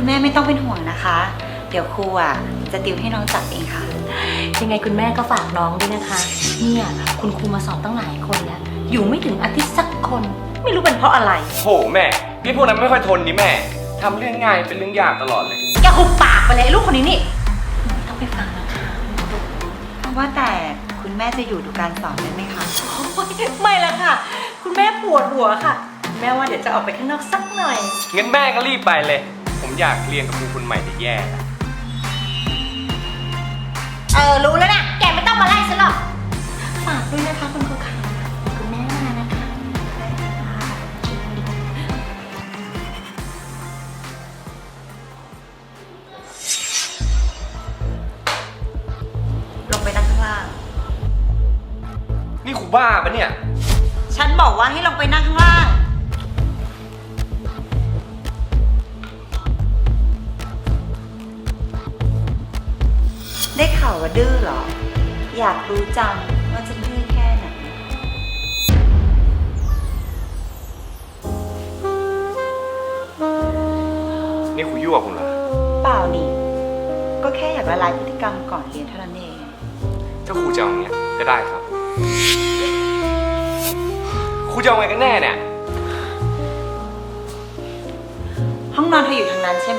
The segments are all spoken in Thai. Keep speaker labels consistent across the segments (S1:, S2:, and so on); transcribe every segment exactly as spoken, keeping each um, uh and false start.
S1: แม่ไม่ต้องเป็นห่วงนะคะ เดี๋ยวครูอ่ะจะติวให้น้องจับเองค่ะ
S2: ยังไงคุณแม่ก็ฝากน้องด้วยนะคะเนี่ยคุณครูมาสอนตั้งหลายคนแล้วอยู่ไม่ถึงอาทิตย์สักคนไม่รู้เป็นเพราะอะไร
S3: โหแม่พี่พวกนั้นไม่ค่อยทนนี่แม่ทำเรื่องง่ายเป็นเรื่องยากตลอดเลย
S2: อย่าหุบปากไปเลยลูกคนนี้นี่ไม่ต้องไปฟังนะคะ
S1: ว่าแต่คุณแม่จะอยู่ดูการสอนได้ไหมคะ
S2: ไม่ละค่ะคุณแม่ปวดหัวค่ะแม่ว่าเดี๋ยวจะออกไปข้างนอกสักหน่อย
S3: งั้นแม่ก็รีบไปเลยผมอยากเรียนกับครูคนใหม่จะแย่แล้ว
S2: เออรู้แล้วนะแกไม่ต้องมาไล่ฉันหรอกฝากด้วยนะคะคุณครูค่ะคุณแม่มานะคะ
S1: ลงไปนั่งข้างล่าง
S3: นี่ครูบ้าปะเนี่ย
S1: ฉันบอกว่าให้ลงไปนั่งข้างล่างได้ข่าวว่าดื้อเหรออยากรู้จังว่าจะดื้อแค่ไหน
S3: นี่ครูยั่วคุณเหรอ
S1: เปล่านี่ก็แค่อยากละลายพฤติกรรมก่อนเรียนเท่านั้นเอง
S3: ถ้าครูจะเอาอย่างเงี้ยก็ได้ครับครูจะเอาไงกันแน่เนี่ย
S1: ห้องนอนเธออยู่ทางนั้นใช่ไหม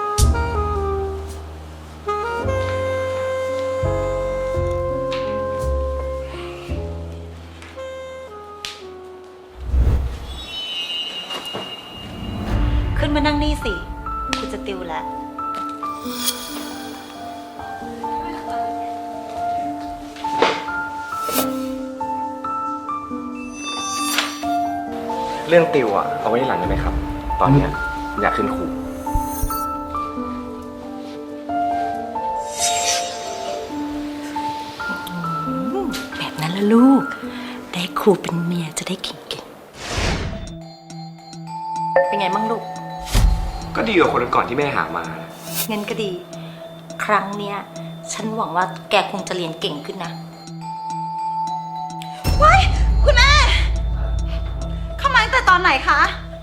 S1: ขึ้นมานั่งนี่สิกูจะติวแล้ว
S3: เรื่องติวอ่ะเอาไว้หลังได้ไหมครับตอนนี้อยากขึ้นครู
S2: แบบนั้นละลูกได้ครูเป็นเมียจะได้เก่งๆเป็นไงบ้างลูก
S3: ก็ดีกว่าคนก่อนที่แม่หามา
S2: เงินก็ดีครั้งเนี้ยฉันหวังว่าแกคงจะเรียนเก่งขึ้นนะ
S1: ว้ายคุณแม่เข้ามาตั้งแต่ตอนไหนคะ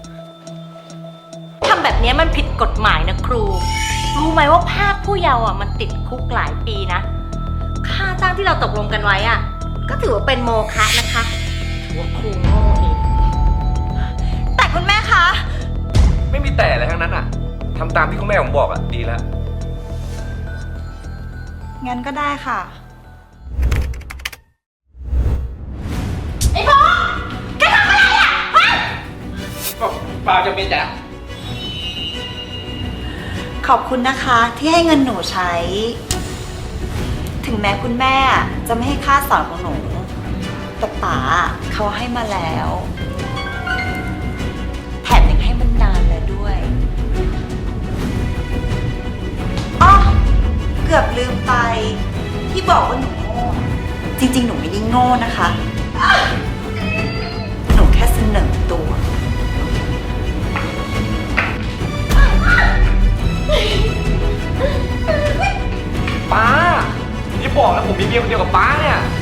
S2: ทำแบบนี้มันผิดกฎหมายนะครูรู้ไหมว่าภาคผู้เยาว์อ่ะมันติดคุกหลายปีนะค่าจ้างที่เราตกลงกันไว้อ่ะก็ถือว่าเป็นโมฆะนะคะถือว่าครูโง่เอง
S1: แต่คุณแม่คะ
S3: ไม่มีแต่อะไรทั้งนั้นอ่ะทำตามที่คุณแม่ผมบอกอ่ะดีแล้ว
S1: งั้นก็ได้ค่ะ
S2: ไอ้พ่อแกทำอะไรอ่ะฮะ
S3: ก็เปล่าจะเป็นจ้ะ
S1: ขอบคุณนะคะที่ให้เงินหนูใช้ถึงแม้คุณแม่จะไม่ให้ค่าสอนของหนูแต่ป๋าเขาให้มาแล้วแถมยังให้มันนานแล้วด้วยอ๋อเกือบลืมไปที่บอกว่าหนูโง่จริงๆหนูไม่ได้โง่นะคะหนูแค่เสนอตัว
S3: ป้าอย่าบอกนะผมมีเมียคนเดียวกับป้าเนี่ย